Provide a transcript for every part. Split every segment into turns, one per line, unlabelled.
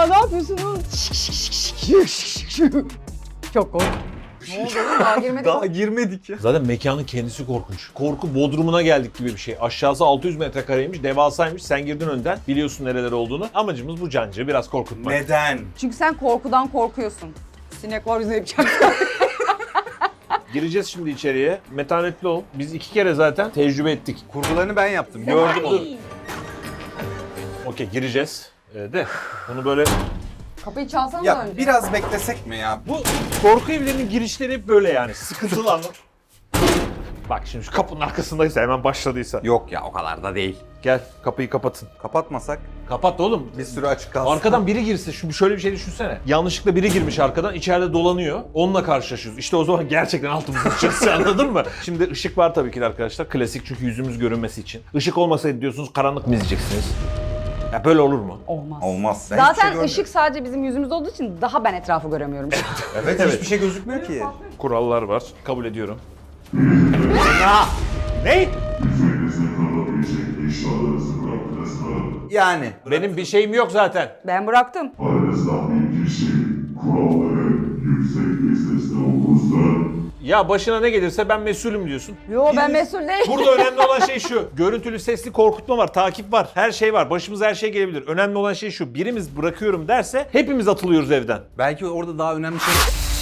ne yapıyorsunuz? Çok korkunç. Ne oldu oğlum? Daha girmedik.
Daha girmedik ya.
Zaten mekanın kendisi korkunç. Korku bodrumuna geldik gibi bir şey. Aşağısı 600 metrekareymiş, devasaymış. Sen girdin önden, biliyorsun nereler olduğunu. Amacımız bu cancı biraz korkutmak.
Neden?
Çünkü sen korkudan korkuyorsun. Sinek var yüzüne yapacaksın.
Gireceğiz şimdi içeriye. Metanetli ol. Biz 2 kere zaten tecrübe ettik.
Kurgularını ben yaptım. Gördüm onu.
Okey, gireceğiz. De bunu böyle...
Kapıyı çalsanız
Ya
önce.
biraz beklesek mi ya?
Bu korku evlerinin girişleri hep böyle yani. Sıkıntılı anlam. Bak şimdi şu kapının arkasındaysa, hemen başladıysa.
Yok ya, o kadar da değil.
Gel, kapıyı kapatın.
Kapatmasak
Kapat oğlum.
bir sürü açık kalsın.
Arkadan biri girse, şöyle bir şey düşünsene. Yanlışlıkla biri girmiş arkadan, içeride dolanıyor. Onunla karşılaşıyoruz. İşte o zaman gerçekten altımızı sıçacağız, anladın mı? Şimdi ışık var tabii ki de arkadaşlar. Klasik, çünkü yüzümüz görünmesi için. Işık olmasaydı diyorsunuz, karanlık mı izleyeceksiniz? Ya böyle olur mu?
Olmaz.
Olmaz. Ben hiçbir şey
Zaten
görmüyorum.
ışık sadece bizim yüzümüzde olduğu için daha ben etrafı göremiyorum.
Evet, hiçbir şey gözükmüyor ki.
Kurallar var. Kabul ediyorum. Ya! Ne?
Yani.
Benim bir şeyim yok zaten.
Ben bıraktım.
Aranızdan bir kişi kuralları yüksek bir sesle okursa
Ya başına ne gelirse ben mesulüm diyorsun.
Yo ben mesul değilim.
Burada önemli olan şey şu. Görüntülü sesli korkutma var, takip var, her şey var. Başımıza her şey gelebilir. Önemli olan şey şu. Birimiz bırakıyorum derse hepimiz atılıyoruz evden.
Belki orada daha önemli şey...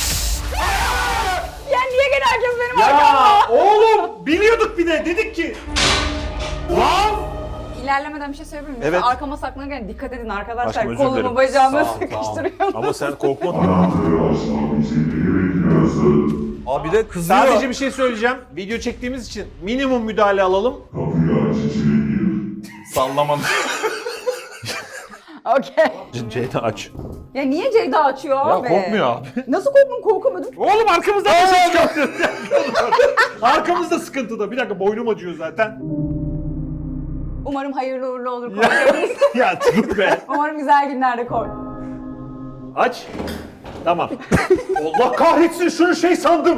Ya niye gene herkes benim arkamda?
Ya oğlum biliyorduk bir de, dedik ki. Lan!
İlerlemeden bir şey söyleyebilir miyim?
Evet.
Arkama saklanırken dikkat edin arkadaşlar.
Aşkım, özür dilerim.
Kolumu bacağımı
Sağ ol, sağ ol.
sıkıştırıyorum.
Ama sen korkma.
anahtarı açmak için biri bekliyorsun.
Abi de kızıyor.
Sadece bir şey söyleyeceğim. Video çektiğimiz için minimum müdahale alalım.
Kapıyı aç içeri gir.
Sallamam.
Okey.
Ceyda aç.
Ya niye Ceyda açıyor
Ya
abi?
korkmuyor abi.
Nasıl korktum? Korkamadım.
Oğlum arkamızdan bir şey çıkartıyor. Arkamızda sıkıntıda. Bir dakika, boynum acıyor zaten.
Umarım hayırlı uğurlu olur korkuyoruz.
Ya dur be.
Umarım güzel günlerde kork.
Aç. Tamam. Allah kahretsin, şunu şey sandım.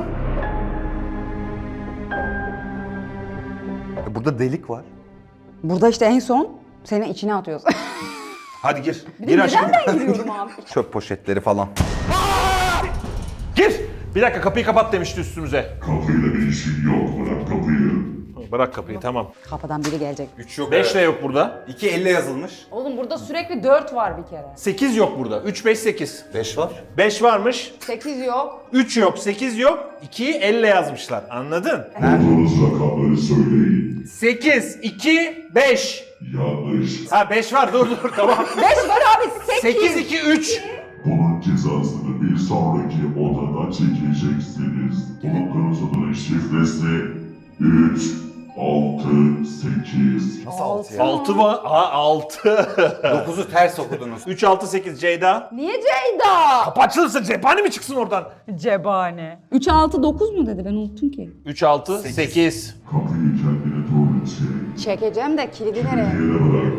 Burada delik var.
Burada işte en son seni içine atıyoruz.
Hadi gir.
Bir de
Gir aşkım.
neden ben giriyorum abi?
Çöp poşetleri falan.
Gir. Bir dakika, kapıyı kapat demişti üstümüze.
Kapıyla bir işin yok, bırak kapıyı.
Bırak kapıyı, tamam.
Kapıdan biri gelecek.
3 yok.
5 de yok burada.
2 elle yazılmış.
Oğlum burada sürekli 4 var bir kere.
8 yok burada. 3, 5, 8.
5 var.
5 varmış.
8 yok.
3 yok, 8 yok. 2'yi elle yazmışlar. Anladın?
Bulduğunuz rakamları söyleyin.
8, 2, 5.
Yanlış.
Ha 5 var, dur tamam.
5 var abi 8.
8, 2, 3.
Bunun cezasını bir sonraki odada çekeceksiniz. Bulunduğunuz odanın şifresi 3, 6, 8.
Nasıl 6 ya?
6 var. Ha 6.
9'u ters okudunuz.
3, 6, 8 Ceyda.
Niye Ceyda?
Kapı açılırsa cephane mi çıksın oradan?
Cebane. 3, 6, 9 mu dedi? Ben unuttum ki.
3, 6, 8.
Kapıyı kendine doğru çek.
Çekeceğim de kilidi nereye?
Yere bırak.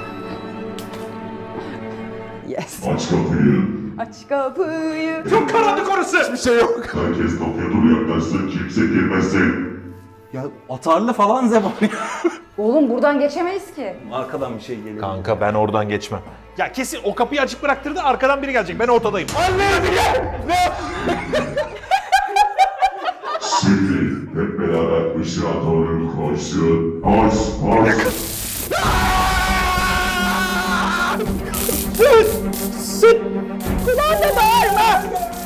Yes.
Aç kapıyı.
Aç kapıyı.
Çok karanlık orası. Hiçbir şey yok.
Herkes kapıya doğru yaklaşsın, kimse girmesin.
Ya atarlı falan zebani.
Oğlum buradan geçemeyiz ki.
Arkadan bir şey geliyor.
Kanka ben oradan geçmem. Ya kesin o kapıyı açık bıraktırdı, arkadan biri gelecek. Ben ortadayım. Anne gel!
Şimdi hep beraber ışığa doğru koşun. Koş, koş.
Kulağında bağırma.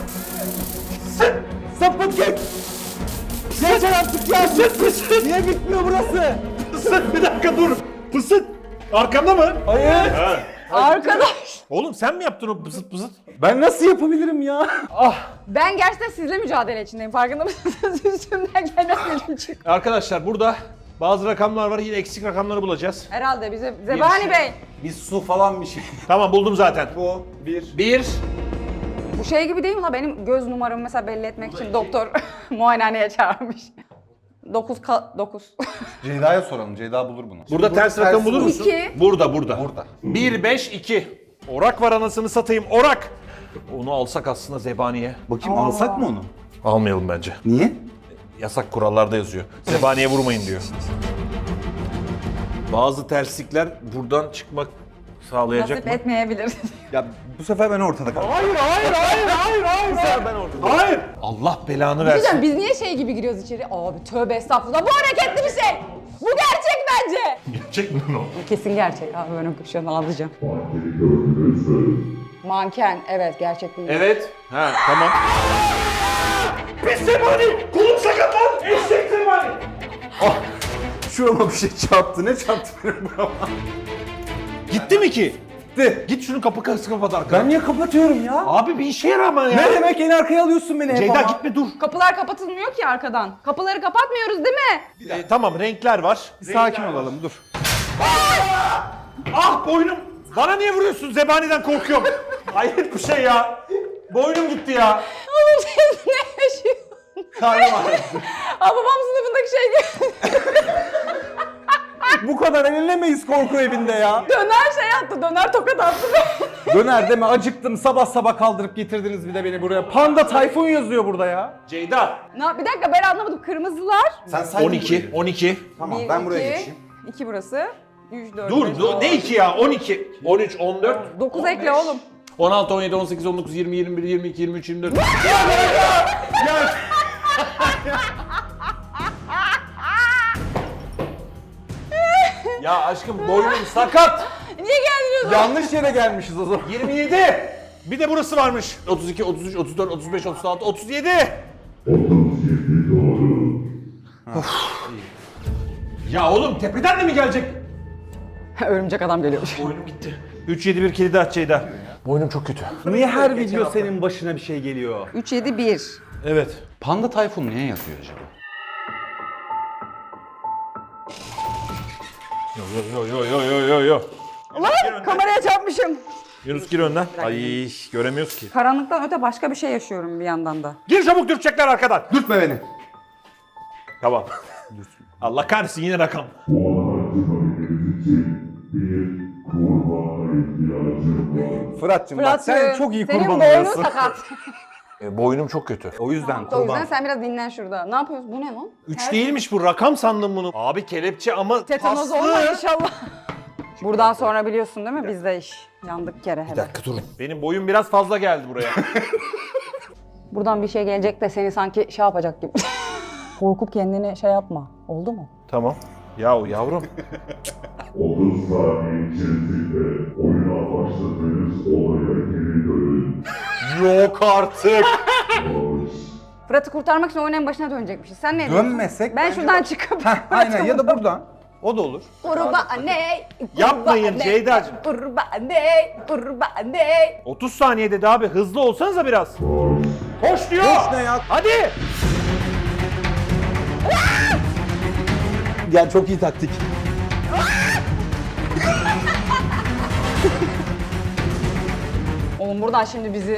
Sapık git! Geçer artık ya! Pısıt pısıt! Niye bitmiyor burası?
Pısıt, bir dakika dur. Pısıt. Arkamda mı?
Hayır!
Ha.
Arkadaş.
Oğlum sen mi yaptın o pısıt pısıt?
Ben nasıl yapabilirim ya?
Ben gerçekten sizle mücadele içindeyim. Farkında mısınız? Üstümden gelen çık.
Arkadaşlar burada bazı rakamlar var. Yine eksik rakamları bulacağız.
Herhalde bize Zebani Bey.
Bir su falan bir şey.
Tamam, buldum zaten.
Bu, bir.
1.
Bu şey gibi değil mi la? Benim göz numaramı mesela belli etmek için doktor muayenehaneye çağırmış. 9.
Ceyda'ya soralım, Ceyda bulur bunu.
Burada ters rakam bulur musun?
2.
Burada, burada.
Burada.
1, 5, 2. Orak var, anasını satayım, orak. Onu alsak aslında zebaniye.
Bakayım alsak mı onu?
Almayalım bence.
Niye?
Yasak kurallarda yazıyor. Zebaniye vurmayın diyor. Bazı terslikler buradan çıkmak Sağlayacak
Nasip
mı?
etmeyebilir.
Ya bu sefer ben ortada kaldım.
Hayır.
Bu sefer ben ortada.
Hayır. Allah belanı versin.
Güzel, biz niye şey gibi giriyoruz içeri? Abi tövbe estağfurullah. Bu hareketli bir şey. Bu gerçek bence.
Gerçek mi o?
Kesin gerçek abi. Ben şu an alacağım.
Mankeni gördünüz mü?
Manken. Evet gerçek değil.
Evet. Ha tamam. Pis zebani! Kolum sakat lan! Eşek zebani!
Şurama bir şey çarptı. Ne çarptı benim burama?
Gitti mi ki?
Gitti.
Git şunu kapı kapat arkadan.
Ben niye kapatıyorum ya?
Abi bir işe yarar ama ya.
Ne demek en arkaya alıyorsun beni hep
Ceyda
ama?
gitme dur.
Kapılar kapatılmıyor ki arkadan. Kapıları kapatmıyoruz değil mi?
Tamam renkler var.
Sakin olalım dur.
Ah boynum! Bana niye vuruyorsun? Zebaniden korkuyorum. Hayret bir şey ya. Boynum gitti ya.
Oğlum siz ne yaşıyorsunuz?
Karnım ağrıdı.
Aa babam sınıfındaki şey gibi.
Bu kadar eğlenemeyiz korku evinde ya.
Döner şey attı. Döner tokat attı.
Döner deme acıktım. Sabah sabah kaldırıp getirdiniz bir de beni buraya. Panda Tayfun yazıyor burada ya.
Ceyda.
Bir dakika ben anlamadım. Kırmızılar.
Sen saydın
12. 12.
Tamam
Bir,
ben buraya
iki,
geçeyim.
2 burası. 3, 4,
Dur ne 2 ya? 12. 13, 14.
9 ekle oğlum.
16, 17, 18, 19, 20, 21, 22, 23, 24. Ya aşkım boynum sakat.
Niye geldiniz?
Yanlış yere gelmişiz o zaman.
27. Bir de burası varmış. 32, 33, 34, 35, 36, 37.
37 doğru.
Ya oğlum tepeden de mi gelecek?
Örümcek adam geliyormuş.
Boynum gitti. 3, 7, 1 kilidi aç Ceyda. Boynum çok kötü.
Niye her video senin başına bir şey geliyor?
3, 7, 1.
Evet.
Panda Tayfun niye yazıyor acaba?
Yo.
Lan kameraya çarpmışım.
Yunus gir önden. Ay göremiyoruz ki.
Karanlıktan öte başka bir şey yaşıyorum bir yandan da.
Gir çabuk dürtecekler arkadan.
Dürtme beni.
Tamam. Allah kahretsin yine rakam.
Bu araştırmalarımız için bir kurbana ihtiyacım var.
Fırat'cığım bak sen çok iyi kurban
Senin boynun
oluyorsun.
sakat.
Boynum çok kötü.
O yüzden
O yüzden
kurban.
sen biraz dinlen şurada. Ne yapıyorsun? Bu ne lan?
3 değilmiş bu rakam sandım bunu. Abi kelepçe ama
Tetanoz
paslı.
olma inşallah. Buradan sonra biliyorsun değil mi? Bizde iş. Yandık kere hele.
Bir dakika durun. Benim boyum biraz fazla geldi buraya.
Buradan bir şey gelecek de seni sanki şey yapacak gibi. Korkup kendini şey yapma. Oldu mu?
Tamam. Yahu yavrum.
30 saniye içerisinde oyuna başladığınız olaya geri dönün.
Yok artık.
Hoş.
Fırat'ı kurtarmak için oyunun en başına dönecekmişiz. Sen ne diyorsun?
Dönmesek
Ben
bence
şuradan
bak-
çıkıp...
Heh, aynen ya da buradan. O da olur.
Kurbane,
Yapmayın Ceyda'cığım.
Kurbane.
30 saniye dedi abi. Hızlı olsanıza biraz. Koş diyor.
Koş ne ya?
Hadi.
Ya çok iyi taktik.
Oğlum buradan şimdi bizi...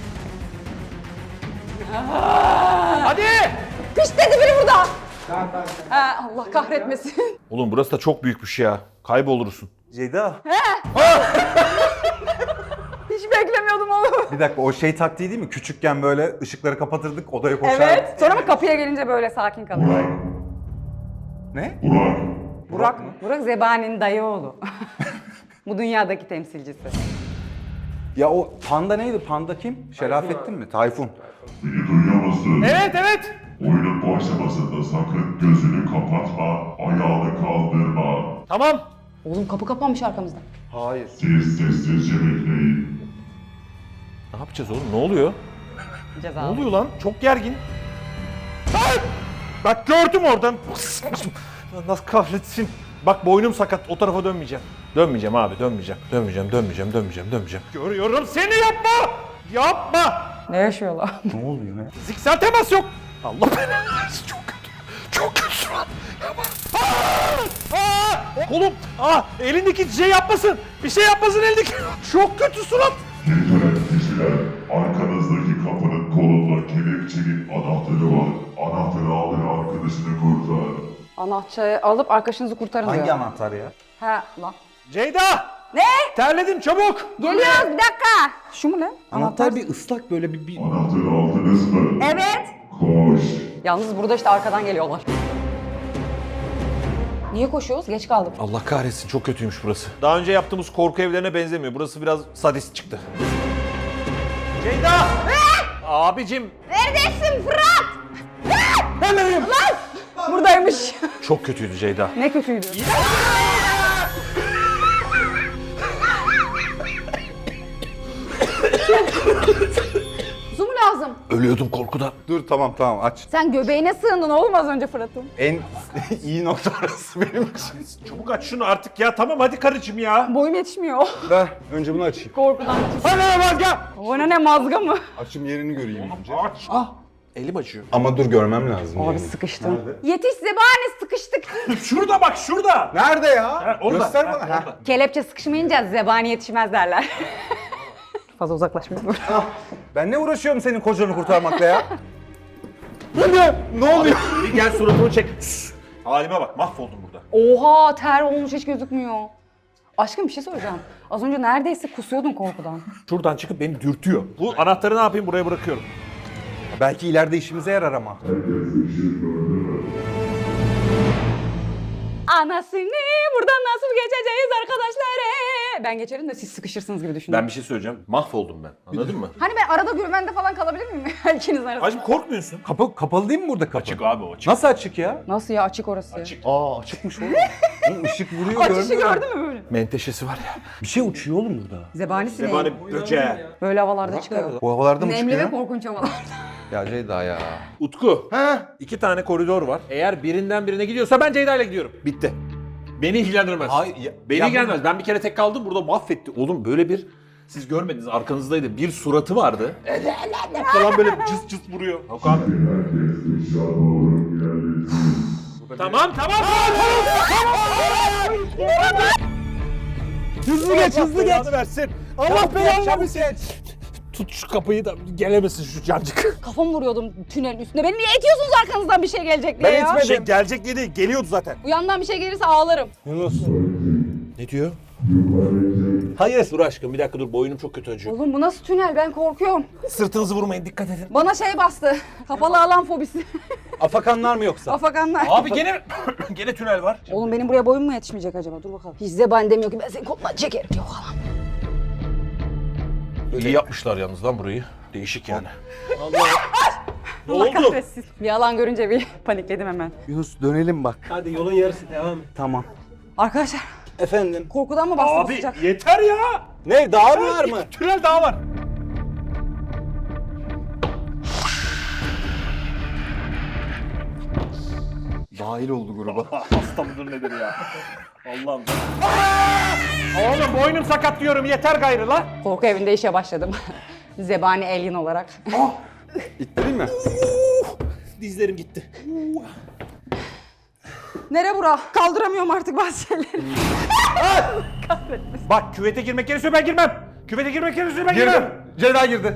Hadi.
Piş dedi biri burada. Ha, Allah kahretmesin.
Oğlum burası da çok büyükmüş ya. Kaybolursun.
Ceyda.
Hiç beklemiyordum oğlum.
Bir dakika o şey taktiği değil mi? Küçükken böyle ışıkları kapatırdık odaya koşardık.
Evet. Sonra mı kapıya gelince böyle sakin kalıyor?
Ne?
Burak.
Burak mı? Burak Zebani'nin dayı oğlu. Bu dünyadaki temsilcisi.
Ya o panda neydi? Panda kim? Şerafettin mi? Tayfun.
Beni duyuyor musun?
Evet.
Oyunun başlamasında sakın gözünü kapatma, ayağını kaldırma.
Tamam.
Oğlum kapı kapanmış arkamızda.
Hayır.
Siz sessizce bekleyin.
Ne yapacağız oğlum? Ne oluyor?
Ceza.
Ne oluyor lan? Çok gergin. Ay! Bak gördüm oradan. Nasıl kahretsin. Bak boynum sakat. O tarafa dönmeyeceğim. Dönmeyeceğim abi. Dönmeyeceğim. Görüyorum seni yapma. Yapma.
Ne yaşıyorlar?
Ne oluyor ya?
Fiziksel temas yok. Allah belanı versin. Çok kötü. Çok kötü şu an. Yapma. Kolum. Elindeki şey yapmasın. Bir şey yapmasın elindeki. Çok kötü surat.
Geri dönen kişiler, arkanızdaki kapının kolunda kelepçenin anahtarı var. Anahtarı alın arkadaşını kurtar.
Anahtarı alıp arkadaşınızı kurtarın diyor.
Hangi anahtar ya?
Ha lan.
Ceyda.
Ne?
Terledim çabuk.
Geliyoruz bir dakika. Şu mu lan?
Anahtar bir ıslak böyle bir...
Anahtarı aldınız mı?
Evet.
Koş.
Yalnız burada işte arkadan geliyorlar. Niye koşuyoruz? Geç kaldık.
Allah kahretsin, çok kötüymüş burası. Daha önce yaptığımız korku evlerine benzemiyor. Burası biraz sadist çıktı. Ceyda! Abicim.
Neredesin Fırat? Lan! Buradaymış.
Çok kötüydü Ceyda.
Ne kötüydü. Su mu lazım?
Ölüyordum korkudan.
Dur tamam aç.
Sen göbeğine sığındın oğlum az önce Fırat'ın.
En iyi nokta orası benim için.
Çabuk aç şunu artık ya. Tamam hadi karıcığım ya.
Boyum yetişmiyor.
Ver önce bunu açayım.
Korkudan.
Ana mazga!
Bana ne mazga mı?
Açım yerini göreyim önce.
Aç. Ah. Elim acıyor.
Ama dur görmem lazım.
Abi
yerini.
sıkıştım. Yetiş zebani sıkıştık.
Şurada bak şurada.
Nerede ya?
Ha, orada.
Göster
Ha,
bana. Ha.
orada.
Kelepçe sıkışmayınca zebani yetişmez derler. Fazla uzaklaşmıyorum.
Ah, ben ne uğraşıyorum senin kocanı kurtarmakla ya? Ne oluyor?
Bir gel suratımı çek. Halime bak mahvoldum burada.
Oha ter olmuş hiç gözükmüyor. Aşkım bir şey soracağım. Az önce neredeyse kusuyordun korkudan.
Şuradan çıkıp beni dürtüyor. Bu anahtarı ne yapayım, buraya bırakıyorum.
Belki ileride işimize yarar ama.
Anasını buradan nasıl geçeceğiz arkadaşlar? Ben geçerim de siz sıkışırsınız gibi düşündüm.
Ben bir şey söyleyeceğim. Mahvoldum ben. Anladın mı?
Hani ben arada güvende falan kalabilir miyim? İkinizin arasında.
Hacım korkmuyorsun.
Kapalı değil mi burada kapı?
Açık abi o açık.
Nasıl açık ya?
Nasıl ya açık orası?
Açık.
Aa açıkmış oğlum. Oğlum ışık vuruyor
Açışı
görmüyorum.
gördün mü böyle?
Menteşesi var ya.
Bir şey uçuyor oğlum burada.
Zebanisi ne?
Zebani böceği.
Böyle havalarda çıkıyor.
Bu havalarda mı
Nemli
çıkıyor?
ve korkunç havalar.
Ya Ceyda ya.
Utku.
Ha?
2 tane koridor var. Eğer birinden birine gidiyorsa ben Ceyda ile gidiyorum. Bitti. Beni ilgilendirmez.
Hayır, ya-
Beni
ya
ilgilendirmez. Ben bir kere tek kaldım burada mahvetti. Oğlum böyle bir siz görmediniz arkanızdaydı. Bir suratı vardı. Falan böyle cıs cıs vuruyor. Yok abi.
Herkes eşya doğru ilerlesin.
Tamam.
Hızlı geç hızlı geç.
versin.
Allah belanı geç.
Tut şu kapıyı da gelemesin şu cancık.
Kafamı vuruyordum tünelin üstüne. Beni niye itiyorsunuz arkanızdan bir şey gelecek diye
Ben
ya?
itmedim.
Şey gelecek diye değil, geliyordu zaten.
Bu yandan bir şey gelirse ağlarım.
Yunus.
Ne diyor? Hayır. Dur aşkım bir dakika dur, boynum çok kötü acıyor.
Oğlum bu nasıl tünel ben korkuyorum.
Sırtınızı vurmayın, dikkat edin.
Bana şey bastı. Kapalı alan fobisi.
Afakanlar mı yoksa?
Afakanlar.
Abi gene tünel var.
Oğlum benim buraya boyum mu yetişmeyecek acaba? Dur bakalım. Hiç zebani demiyor ki ben seni kolundan çekerim diyor falan.
İyi yapmışlar yalnız lan burayı. Değişik yani. Ne
Allah
oldu?
kahretsin. Bir alan görünce bir panikledim hemen.
Yunus dönelim bak.
Hadi yolun yarısı devam.
Tamam.
Arkadaşlar
Efendim?
korkudan mı bastı bu
Abi
sıcak?
yeter ya.
Ne daha mı var mı?
Tünel daha var.
Dahil oldu gruba.
Hasta mıdır nedir ya? Allah'ım. Oğlum boynum sakat diyorum, yeter gayrı la.
Korku evinde işe başladım. Zebani alien olarak.
İttireyim mi?
Dizlerim gitti.
Nere bura? Kaldıramıyorum artık bazı şeyleri.
Bak küvete girmek gerekiyor, ben girmem. Küvete girmek gerekiyor, ben
Girdim.
girmem.
Ceyda girdi.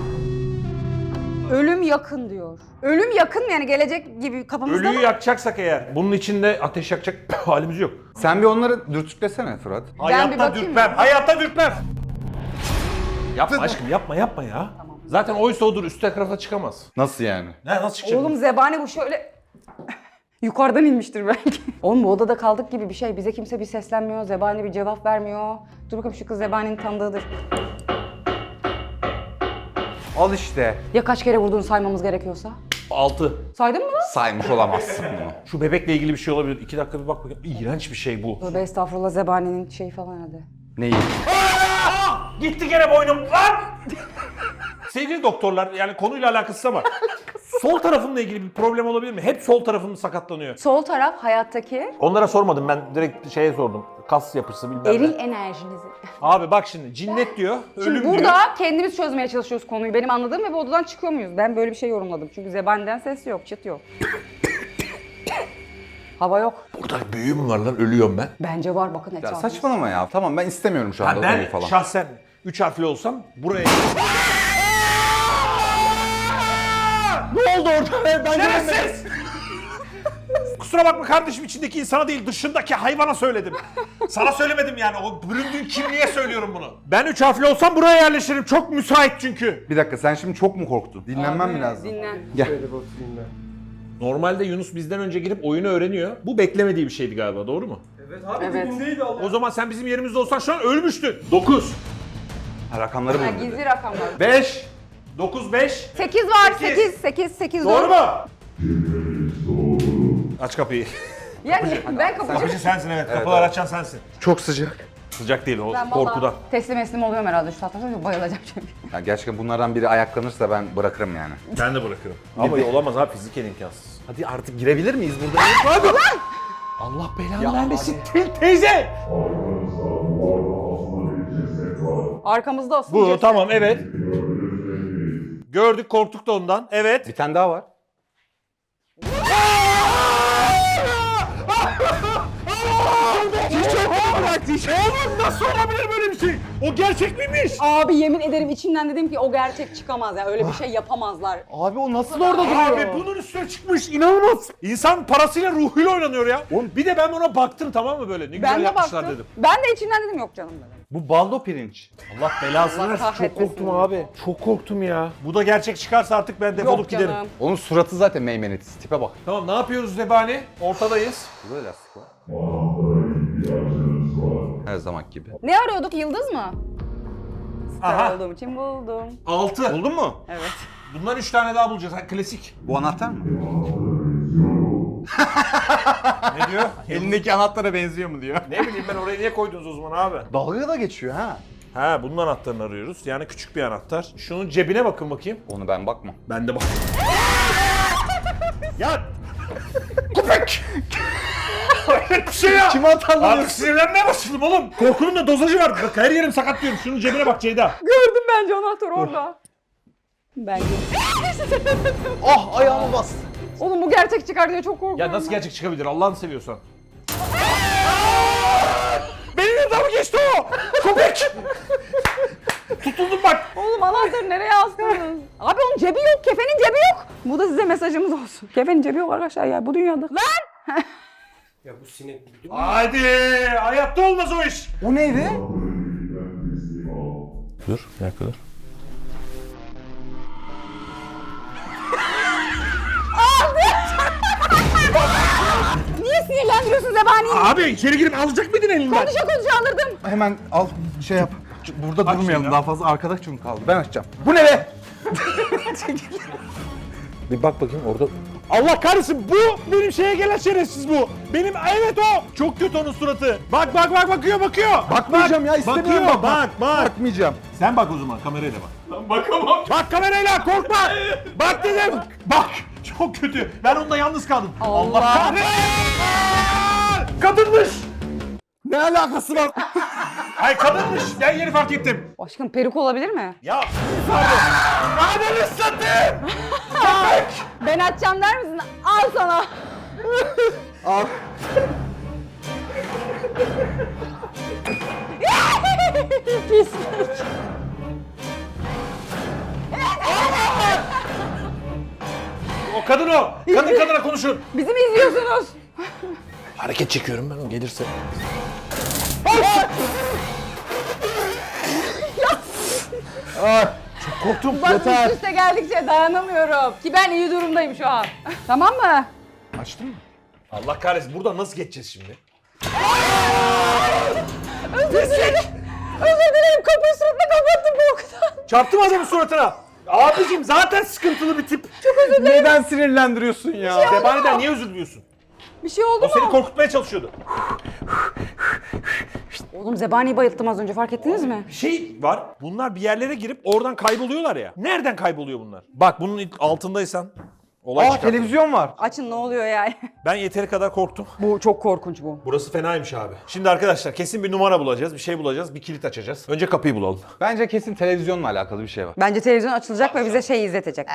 Ölüm yakın diyor. Ölüm yakın mı yani gelecek gibi kafamızda
Ölüyü
mı?
yakacaksak eğer, bunun içinde ateş yakacak halimiz yok.
Sen bir onları dürtüklesene Fırat.
bir
Hayatta
bakayım
dürtmem,
mı?
hayatta dürtmem. Yapma aşkım, yapma ya. Zaten oysa odur, üst tarafa çıkamaz.
Nasıl yani?
Ne, nasıl çıkacak?
Oğlum zebani bu şöyle... Yukarıdan inmiştir belki. Oğlum bu odada kaldık gibi bir şey. Bize kimse bir seslenmiyor. Zebani bir cevap vermiyor. Dur bakalım şu kız zebaninin tanıdığıdır.
Al işte.
Ya kaç kere vurduğunu saymamız gerekiyorsa?
6.
Saydın mı lan?
Saymış olamazsın bunu.
Şu bebekle ilgili bir şey olabilir. 2 dakika bir bak bakayım. İğrenç bir şey bu.
Tövbe estağfurullah zebaninin şeyi falan herhalde.
Neyi?
Gitti gene boynum lan! Sevgili doktorlar, yani konuyla alakası ama sol tarafımla ilgili bir problem olabilir mi? Hep sol tarafım sakatlanıyor.
Sol taraf hayattaki
Onlara sormadım, ben direkt şeye sordum. Kas yapısı bilmem
eril
ne.
enerjinizi.
Abi bak şimdi cinnet diyor,
Şimdi
ölüm
burada
diyor.
kendimiz çözmeye çalışıyoruz konuyu. Benim anladığım ve bu odadan çıkıyor muyuz? Ben böyle bir şey yorumladım. Çünkü zebaniden ses yok, çıt yok. Hava yok.
Burada büyü mü var lan, ölüyorum ben.
Bence var bakın
Ya
etrafımız.
saçmalama ya. Tamam ben istemiyorum şu anda
Ben
odayı falan.
şahsen 3 harfli olsam buraya...
Ne oldu orada? Ben
Şerefsiz! Kusura bakma kardeşim, içindeki insana değil dışındaki hayvana söyledim. Sana söylemedim yani, o büründüğün kimliğe söylüyorum bunu. Ben 3 harfli olsam buraya yerleşirim, çok müsait çünkü.
Bir dakika sen şimdi çok mu korktun? Dinlenmem mi lazım?
Dinlen.
Gel.
Şöyle bir oturayım ben.
Normalde Yunus bizden önce girip oyunu öğreniyor. Bu beklemediği bir şeydi galiba, doğru mu?
Evet abi
Evet.
dibindeydi Allah.
O zaman sen bizim yerimizde olsan şu an ölmüştün. 9.
Rakamları
Ha,
buldum.
gizli rakamlar.
5. 9, 5.
8 var.
Sekiz.
8
Doğru
doğru.
mu? Aç kapıyı.
Yani ben kapıcı.
Kapıcı sensin, evet. Kapılar açan sensin.
Çok sıcak.
Sıcak değil o,
Ben
korkudan.
vallahi teslim oluyorum herhalde şu saatten sonra bayılacağım çünkü.
Ya gerçekten bunlardan biri ayaklanırsa ben bırakırım yani.
Ben de bırakırım. Ama olamaz abi, fiziken imkansız.
Hadi artık girebilir miyiz burada? Hadi.
Allah belanı vermesin. Teyze!
Arkanızda duvarda asılı bir ceset var.
Arkamızda asıl
Bu
ceset.
tamam, evet. Gördük, korktuk da ondan. Evet.
Bir tane daha var.
Oğlum nasıl olabilir böyle bir şey? O gerçek miymiş?
Abi yemin ederim içimden dedim ki o gerçek çıkamaz ya. Öyle bir şey yapamazlar.
Abi o nasıl orada duruyor?
Abi bunun üstüne çıkmış, inanılmaz. İnsan parasıyla, ruhuyla oynanıyor ya. Bir de ben ona baktım, tamam mı böyle? Ne güzel
Ben de
yapmışlar
baktım.
dedim.
Ben de içimden dedim yok canım dedim.
Bu baldo pirinç.
Allah belasını
Allah
versin. Çok
kahretmesin
korktum
ya.
abi. Çok korktum ya. Bu da gerçek çıkarsa artık ben defolup
Yok
giderim.
canım.
Onun suratı zaten meymenetsiz. Tipe bak.
Tamam, ne yapıyoruz Zebani? Ortadayız.
Burada da lastik var.
Anahtara ihtiyacınız var.
Her zaman gibi.
Ne arıyorduk? Yıldız mı? Star
Aha.
olduğum için buldum.
6.
Buldun mu?
Evet.
Bundan 3 tane daha bulacağız. Ha, klasik.
Bu anahtar mı?
Ne diyor?
Elindeki anahtara benziyor mu diyor.
Ne bileyim ben, oraya niye koydunuz o zaman abi?
Dalga da geçiyor ha.
Ha, bunun anahtarını arıyoruz. Yani küçük bir anahtar. Şunun cebine bakın bakayım.
Onu ben bakmam.
Ben de bak. Ya! Köpek! Hayret bir şey ya!
Kime atarlanıyorsun?
Artık sinirlenmeye başladım oğlum. Korkunun da dozajı var. Bak, her yerim sakatlıyorum. Şunun cebine bak Ceyda.
Gördüm bence anahtar orada. Bence.
Ah ayağıma bas.
Oğlum bu gerçek çıkar diye çok korkuyorum.
Ya nasıl
ben.
gerçek çıkabilir Allah'ını seviyorsan? Benim yanımdan mı geçti o? Köpek! Tutuldum bak.
Oğlum anahtarı nereye astınız? Abi onun cebi yok, kefenin cebi yok. Bu da size mesajımız olsun. Kefenin cebi yok arkadaşlar ya bu dünyada. Lan!
Ya bu sinek.
Hadi! Hayatta olmaz o iş.
O neydi?
Ben teslim al.
Dur, ne kadar?
Niye sinirlendiriyorsun Zebani'yi?
Abi içeri girip alacak mıydın elinden?
Konuşa alırdım.
Hemen al şey yap. Burada
Aç
durmayalım
şimdi.
daha fazla arkadaş çünkü kaldı. Ben açacağım. Bu ne be?
Bir bak bakayım orada. Allah kahretsin, bu benim şeye gelen şerefsiz bu. Benim, evet o. Çok kötü onun suratı. Bak bakıyor.
Bakmayacağım ya, istemiyorum
Bakıyor,
bakmak.
bak.
Bakmayacağım.
Sen bak o zaman, kamerayla bak. Ben bakamam. Bak kamerayla, korkma. Bak dedim. Bak, çok kötü. Ben onunla yalnız kaldım.
Allah.
kahretsin. Kadınmış.
Ne alakası var?
Ay kadınmış. Ben yeni fark ettim.
Aşkım peruk olabilir mi?
Ya. Pardon. Ananı satayım.
Ben açacağım der misin? Al sana.
Al.
Pislik.
O kadın o. Kadın kadına konuşun.
Bizi mi izliyorsunuz?
Hareket çekiyorum ben, o gelirse.
Çok korktum.
Bak üst üste geldikçe dayanamıyorum. Ki ben iyi durumdayım şu an. Tamam mı?
Açtın mı?
Allah kahretsin, buradan nasıl geçeceğiz şimdi?
Özür dilerim. Özür dilerim. Kapıyı suratına kapattım korkudan.
Çarptım adamın suratına. Abicim zaten sıkıntılı bir tip.
Neden sinirlendiriyorsun ya?
Zebani'den niye özür diliyorsun?
Bir şey oldu
O seni
mu?
korkutmaya çalışıyordu.
Oğlum Zebani'yi bayılttım az önce fark ettiniz mi?
Bir şey var. Bunlar bir yerlere girip oradan kayboluyorlar ya. Nereden kayboluyor bunlar? Bak bunun altındaysan olay
Aa
çıkar.
televizyon var.
Açın ne oluyor yani?
Ben yeteri kadar korktum.
Bu çok korkunç bu.
Burası fenaymış abi. Şimdi arkadaşlar kesin bir numara bulacağız, bir şey bulacağız, bir kilit açacağız. Önce kapıyı bulalım.
Bence kesin televizyonla alakalı bir şey var.
Bence televizyon açılacak ve bize şey izletecek.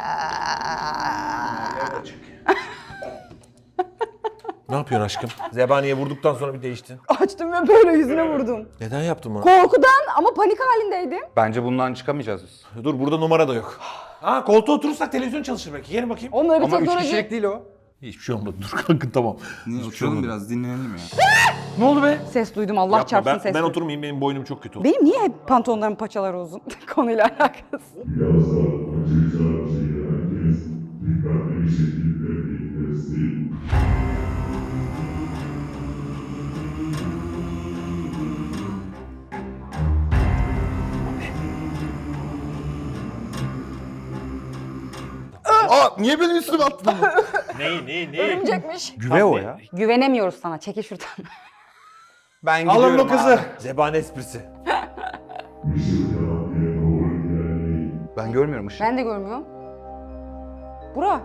Ne yapıyorsun aşkım? Zebaniye vurduktan sonra bir değiştin.
Açtım ve böyle yüzüne vurdum.
Neden yaptın bunu?
Korkudan ama panik halindeydim.
Bence bundan çıkamayacağız biz.
Dur, burada numara da yok. Ha, koltuğa oturursak televizyon çalışır belki. Gelin bakayım.
Onunla bir
Ama 3
teknoloji...
kişilik değil o.
Hiçbir şey olmadı. Dur kalkın, tamam.
Oturalım biraz dinlenelim ya.
Ne oldu be?
Ses duydum Allah
Yapma,
çarpsın
ben
ses duydum.
oturmayayım, benim boynum çok kötü.
Benim niye hep pantolonlarımın paçaları uzun? Konuyla alakası.
Birazdan açacağım şeyi herkes dikkatli bir şekilde dinleyin. teslim.
Aa niye benim üstüme attın bunu?
Neyi?
Örümcekmiş.
Güve o ya.
Güvenemiyoruz sana. Çekil şuradan.
Ben gidiyorum
Alın o kızı.
abi.
Zebani esprisi.
Işık terapiye doğru ilerleyin.
Ben görmüyorum ışığı.
Ben de görmüyorum. Bura.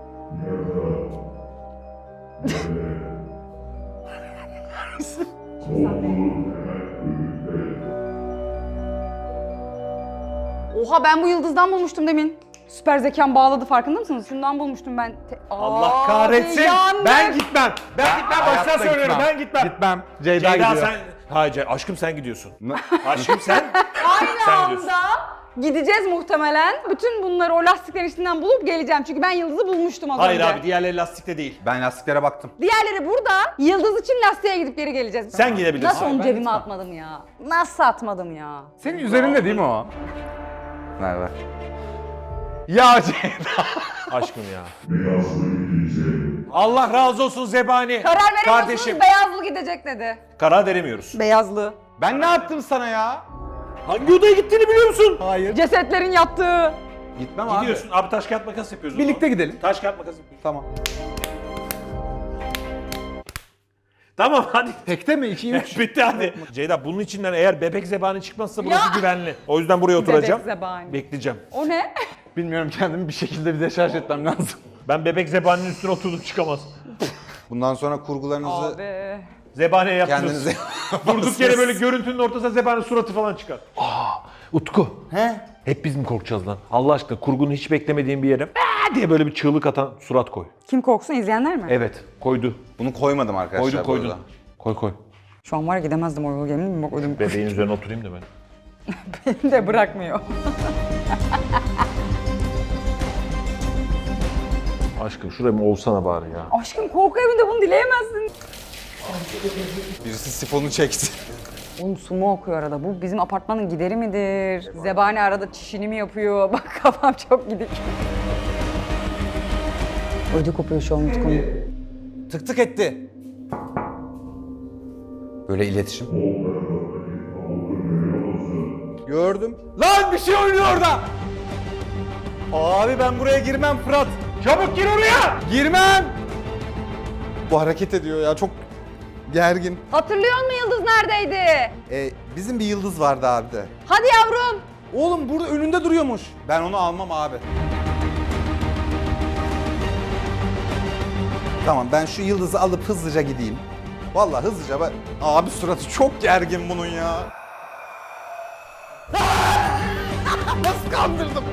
Oha ben bu yıldızdan bulmuştum demin. Süper zekam bağladı farkında mısınız? Şundan bulmuştum ben.
Allah
Abi,
kahretsin.
yandık.
Ben gitmem. Ben gitmem. Baştan
Hayatta
söylüyorum.
gitmem.
Ben gitmem.
Gitmem. Ceyda
Ceyda
gidiyor.
sen... Hayır aşkım sen gidiyorsun. Aşkım sen...
Aynı
Sen gidiyorsun.
anda gideceğiz muhtemelen. Bütün bunları o lastiklerin içinden bulup geleceğim. Çünkü ben yıldızı bulmuştum az
Hayır
önce.
abi diğerleri lastikte değil.
Ben lastiklere baktım.
Diğerleri burada. Yıldız için lastiğe gidip geri geleceğiz.
Sen gidebilirsin.
Nasıl
Hayır,
onu
ben
cebime
gitmem.
atmadım ya? Nasıl atmadım ya?
Senin üzerinde değil mi o?
Ver.
Ya Ceyda.
Aşkım ya.
Beyazlı gidecek.
Allah razı olsun Zebani.
Karar veremiyorsunuz,
Kardeşim.
beyazlı gidecek dedi.
Karar veremiyoruz.
Beyazlı.
Ben ne yaptım sana ya?
Hangi odaya gittiğini biliyor musun?
Hayır.
Cesetlerin yattığı.
Gitmem abi.
Gidiyorsun. Abi taş kağıt makas yapıyoruz. o
Birlikte
zaman.
gidelim.
Taş kağıt makas yapıyoruz.
Tamam.
Tamam hadi.
Tekte mi? 2 3.
Bitti hadi. Ceyda bunun içinden eğer bebek zebani çıkmazsa burası güvenli. O yüzden buraya oturacağım.
Bebek zebani.
Bekleyeceğim.
O ne?
Bilmiyorum kendimi bir şekilde bir deşarj etmem lazım.
Ben bebek zebaninin üstüne oturdum çıkamaz.
Bundan sonra kurgularınızı
Abi.
Zebaniye yaptınız.
kendinize
Durduk yere böyle görüntünün ortasına zebanın suratı falan çıkar. Utku.
He?
Hep biz mi korkacağız lan? Allah aşkına kurgunun hiç beklemediğin bir yere diye böyle bir çığlık atan surat koy.
Kim korksun izleyenler mi?
Evet koydu.
Bunu koymadım arkadaşlar.
Koydun.
bu arada.
Koy koy.
Şu an var ya gidemezdim o yolu yemin mi? Bak ödüm
Bebeğin üzerine oturayım da ben.
beni de bırakmıyor.
Aşkım şuraya mı olsana bari ya.
Aşkım korku evinde bunu dileyemezsin.
Birisi sifonu çekti.
Oğlum su mu okuyor arada? Bu bizim apartmanın gideri midir? Zebani arada çişini mi yapıyor? Bak kafam çok gidik. Ödü kopuyor şu an Utku'nun.
Tık tık etti. Böyle iletişim. Gördüm.
Lan bir şey oynuyor orada.
Abi ben buraya girmem Fırat.
Çabuk gir oraya.
Girmem. Bu hareket ediyor ya çok gergin.
Hatırlıyor musun Yıldız neredeydi?
Bizim bir yıldız vardı abi de.
Hadi yavrum.
Oğlum burada önünde duruyormuş. Ben onu almam abi. Tamam ben şu yıldızı alıp hızlıca gideyim. Vallahi hızlıca ben... Abi suratı çok gergin bunun ya. Nasıl kandırdım?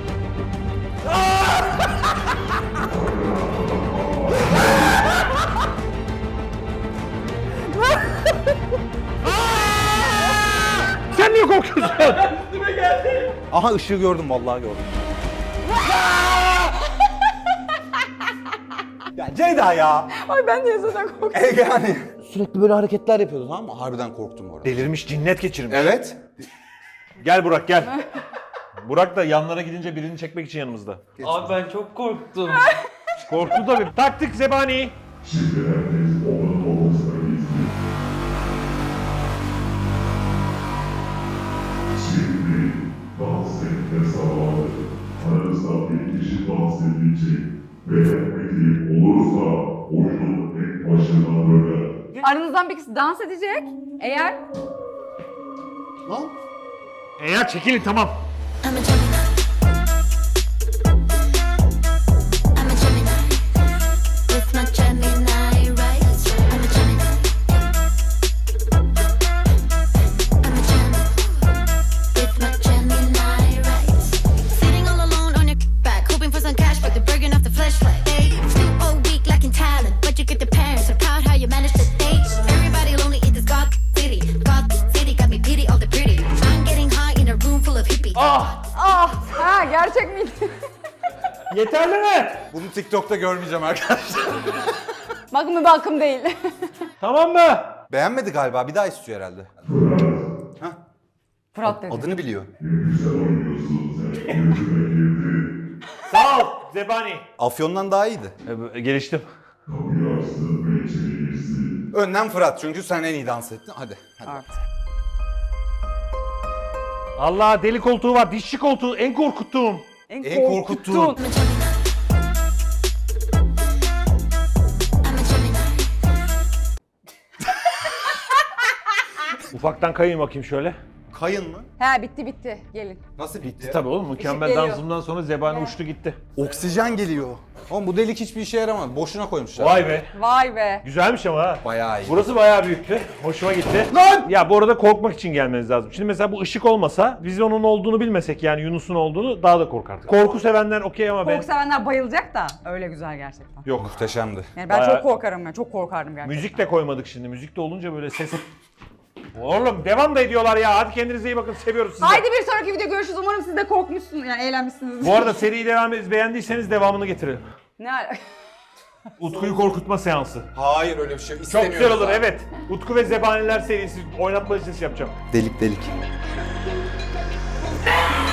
Sen niye korkuyorsun?
Aha ışığı gördüm vallahi gördüm. Ya Ceyda ya.
Ay ben de zaten korktum.
Yani sürekli böyle hareketler yapıyordu tamam mı? Harbiden korktum orada.
Delirmiş, cinnet geçirmiş.
Evet.
Gel Burak gel. Burak da yanlara gidince birini çekmek için yanımızda.
Abi ben çok korktum.
Korktu tabii. Taktik zebani.
Şimdi herkes onun olmasına izin. Şimdi dans etme zamanı. Aranızda bir kişi dans edecek. Beğenmediği olursa oyunun tek başına döner.
Aranızdan bir kişi dans edecek. Eğer
Lan.
Eğer çekilin tamam.
I'm a Gemini. I'm a Gemini. With my Gemini rights. I'm a Gemini. I'm a Gemini. With my Gemini rights. Sitting all alone on your back, hoping for some cash, but they're breaking off the flashlight. They still all weak, lacking talent, but you get the parents so proud how you manage to date. Everybody lonely in this God city. God city got me pity all the pretty. I'm getting high in a room full of hippies.
ha gerçek miydi?
Yeterli mi?
Bunu TikTok'ta görmeyeceğim arkadaşlar.
Bakın bir bakım değil.
Tamam mı?
Beğenmedi galiba. Bir daha istiyor herhalde.
Fırat dedi.
Adını biliyor.
Güzel oynuyorsun sen. Yüzüme girdin.
Sağ ol zebani.
Afyon'dan daha iyiydi.
Geliştim.
Kapıyı açtı ve içeri girdi.
Önden Fırat çünkü sen en iyi dans ettin. Hadi.
Artık.
Allah deli koltuğu var, dişçi koltuğu en korkuttuğum.
En korkuttuğun.
I'm a Gemini. I'm a Gemini.
Ufaktan kayayım bakayım şöyle.
Kayın mı?
He bitti. Gelin.
Nasıl bitti?
Tabii oğlum mükemmel
geliyor.
dansımdan sonra zebani uçtu gitti.
Oksijen geliyor. Oğlum bu delik hiçbir işe yaramadı. Boşuna koymuşlar.
Vay be.
Vay be.
Güzelmiş ama ha.
Bayağı iyi.
Burası bayağı büyüktü. Hoşuma gitti.
Lan!
Ya bu arada korkmak için gelmeniz lazım. Şimdi mesela bu ışık olmasa, biz onun olduğunu bilmesek yani Yunus'un olduğunu daha da korkardık. Korku sevenler okey ama ben...
Korku sevenler bayılacak da öyle güzel gerçekten.
Yok.
Muhteşemdi.
Yani ben
Bayağı-
çok korkarım ya. Çok korkardım gerçekten.
Müzik de koymadık şimdi. Müzik de olunca böyle ses... Oğlum devam da ediyorlar ya. Hadi kendinize iyi bakın. Seviyoruz sizi.
Haydi bir sonraki video görüşürüz. Umarım siz de korkmuşsunuz. Yani eğlenmişsiniz.
Bu arada seriyi devam ediniz. Beğendiyseniz devamını getirelim.
Ne ala-
Utku'yu korkutma seansı.
Hayır öyle bir şey
Çok
istemiyoruz.
güzel olur
abi.
evet. Utku ve Zebaniler serisi oynatma listesi yapacağım.
Delik.